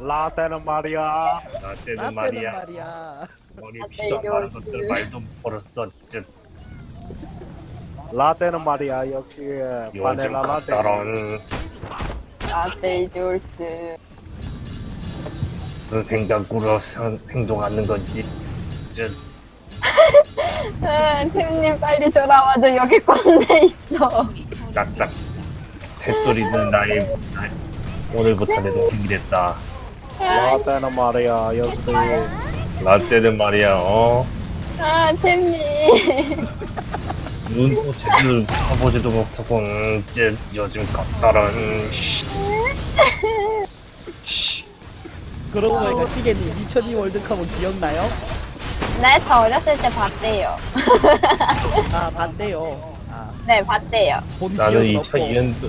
라떼는 말이야. 라떼는 말이야. 머리 피도 안 마른 것들 말도 못 걸었어. 쯧. 라떼는 말이야. 역시 요즘 바닐라 라떼. 같다런 라떼 졸스. 무슨 생각으로 행동하는 건지. 쯧. 템님 빨리 돌아와줘. 여기 꼰대 있어. 딱딱. 새소리는 나의 오늘부터 내 동생이 됐다. 라떼는 말이야. 역시 라떼는 말이야. 템님. 눈도 제대로 쳐보지도 못하고 쯧. 요즘 같다런 그러고 보니까 시계님 2002 월드컵은 기억나요? 네, 저 어렸을 때 봤대요. 아 봤대요. 아, 네, 봤대요. 본 나는 기억은 없고 2002년도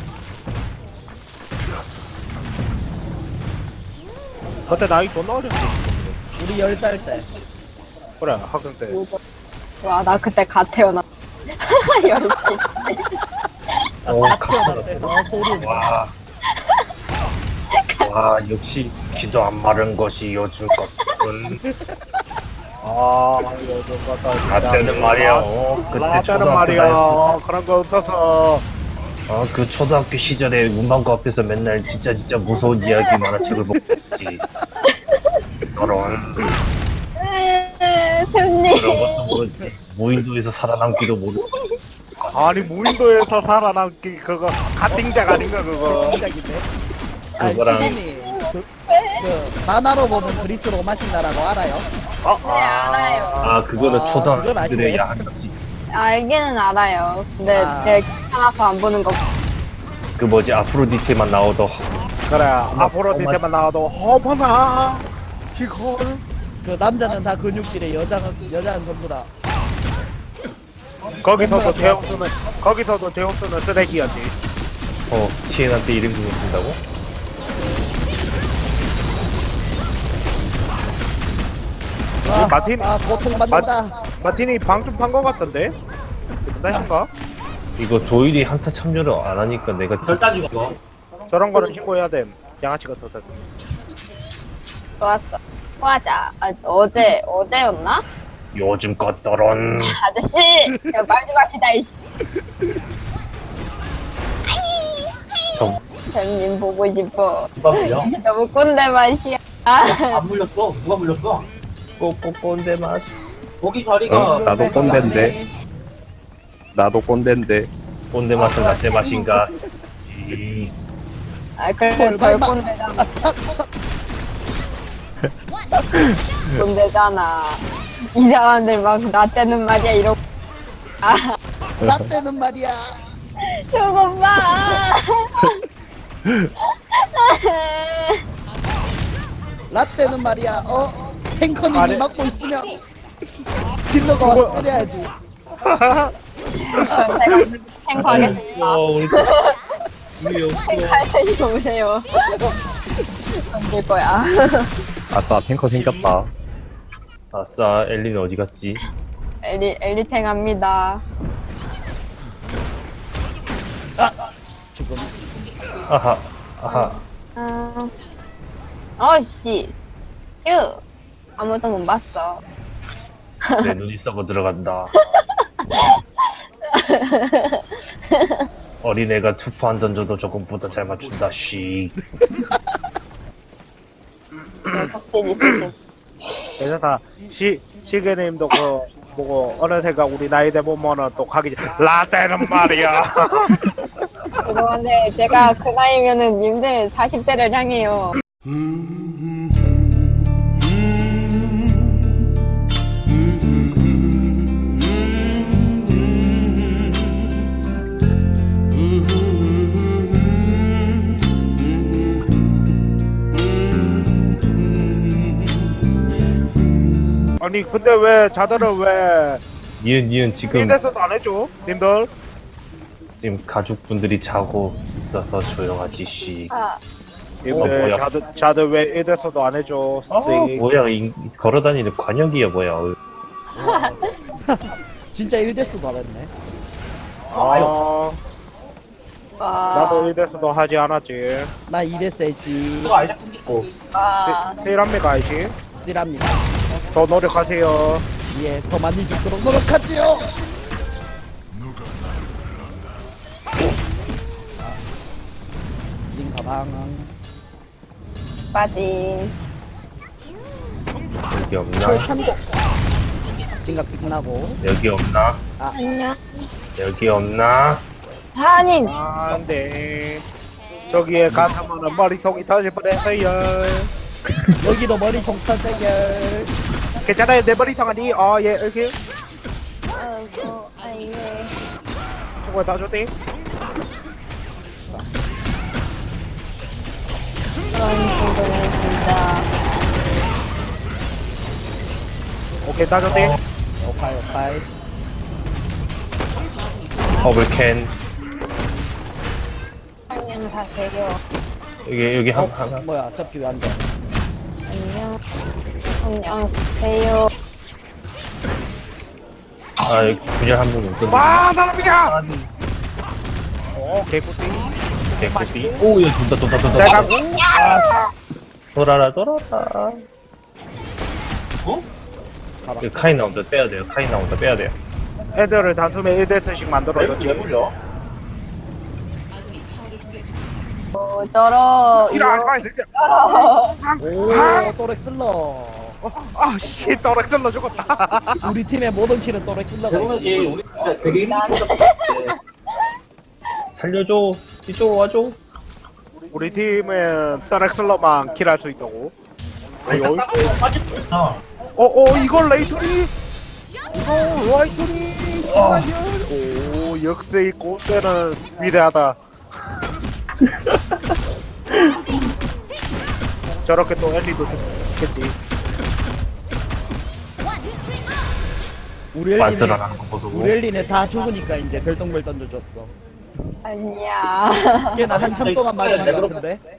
그때 나이 존나 어렸지. 우리 10살 때. 그래 학생 때. 와, 나 그때 갓 태어났. 열시. 같다런 소름. 와 역시 귀도 안 마른 것이 요즘 것은 아 요즘 같다. 라떼는 말이야. 그때 라떼는 초등학교 말이야. 다녔을 그런 거 없어서. 그 초등학교 시절에 문방구 앞에서 맨날 진짜 무서운 이야기 만화책을 보지. 저런 템님. 그런 것도 모르지. 무인도에서 살아남기도 모르고. 아니 무인도에서 살아남기 그거 가팅작 아닌가 그거. 생각인데. 아 그거랑- 시계님 그 만화로 보는 그리스 로마식 나라고 알아요? 네, 알아요. 그거는 아, 초등학생들의 그건 아시네. 야한 알기는 알아요. 근데 아. 제가 귀찮아서 안 보는 거. 그 뭐지 아프로디테만 나오던 그래 앞으로 뒤태만 나와도 어머나 이걸. 그 남자는 다 근육질에 여자는 전부 다. 거기서도 제우스는 쓰레기였지. TN한테 이름 그거 쓴다고? 아, 마틴- 고통받는다. 마틴이 방좀 판 거 같던데? 나인가? 이거 도일이 한타 참여를 안 하니까 내가 저런 거는 신고해야 돼. 양아치 같은 거. 좋았어. 하자. 어제였나? 요즘 것더런 아저씨! 말 좀 합시다, 이씨. 좀 쌤님 보고 싶어. 누가 물려? 너무 꼰대 맛이야. 안 물렸어? 누가 물렸어? 꼬꼬꼰대 맛. 거기 자리가 나도 꼰대인데. 나도 꼰대인데. 꼰대 맛은 라떼 맛인가? 그래, 덜 꼰대잖아. 아, 삭. 꼰대잖아. 이 사람들 막 나 때는 말이야, 이러고. 라떼는 말이야. 저거 봐! 라떼는 말이야. 탱커님이 아니. 막고 있으면 딜러가 와서 때려야지. 그럼 제가 탱커하겠습니다. 우리 탱커할 테니까 오세요. 던질 거야. 아싸, 탱커 생겼다. 아싸 엘리는 어디 갔지? 엘리탱 합니다. 죽음. 아하 어씨. 휴. 아무도 못 봤어. 내 눈이 썩어 들어간다. 어린애가 투포 한 던져도 조금보다 잘 맞춘다. 씩. 석진 있으신. 괜찮다. 시계님도 그 보고 어느새가 우리 나이 돼 보면은 또 가기 라떼는 말이야. 죄송한데 제가 그 나이면은 님들 40대를 향해요. 아니 근데 왜 자들은 왜 니은 지금 이래서도 안 해줘? 님들? 지금 가족분들이 자고 있어서 조용하지. 씩. 님들 뭐야. 자들 왜 이래서도 안 해줘? 씩. 뭐야 걸어다니는 관역이야 뭐야. 진짜 1대스도 안 했네. 아 나도 이래서도 하지 않았지. 나 이랬어 했지. 누가 알자 끊기고. 세일합니까 아이씨? 쓰랍니다. 더 노력하세요. 예, 더 많이 죽도록 노력하지요. 님 가방. 빠짐. 여기 없나? 철산고. 진각 빛나고. 여기 없나? 안녕. 여기 없나? 하님. 안돼. 저기에 가사면은 머리통이 터질 뻔했어요. 여기도 머리통 터세결. 괜찮아요 내 머리통 아니? 예 이렇게 아이고, 아이고. 저거 다 줬대. 그런 친구는 진짜. 오케이 다 줬대. 오파이 오파이. 버블캔. 안녕 사세요. 여기 하나. 뭐야, 접기 왜 안 돼? 안녕. 안녕 사세요. 아, 여기 구절 한 분 있거든. 와 사람이야. 개꿀띠. 개꿀띠. 오, 여기 돈다. 잘 가고. 돌아라. 어? 여기 카인 나온다. 빼야 돼요. 빼야 돼요. 애들을 단숨에 1대스씩 만들어줬지. 왜 물려? 저러. 이런 아 새끼야. 저러. 오, 또렉슬러. 아씨 또렉슬러 죽었다. 우리 팀의 모든 키는 또렉슬러가 대부분이 있지. 우리 진짜 되게 힘들었어. 살려줘. 이쪽으로 와줘. 우리 팀은 또렉슬러만 킬할 수 있다고. 어이. 빠졌구나. 이걸 레이토리? 이거 레이토리? 오 역세 있고 때는 위대하다. 저렇게 또 엘리도 죽겠지. 우리 엘리는 만들어가는 거 보소. 우리 엘리는 다 죽으니까 이제 별똥별 던져줬어. 아니야. 걔나 한참 동안 맞아본 것 같은데.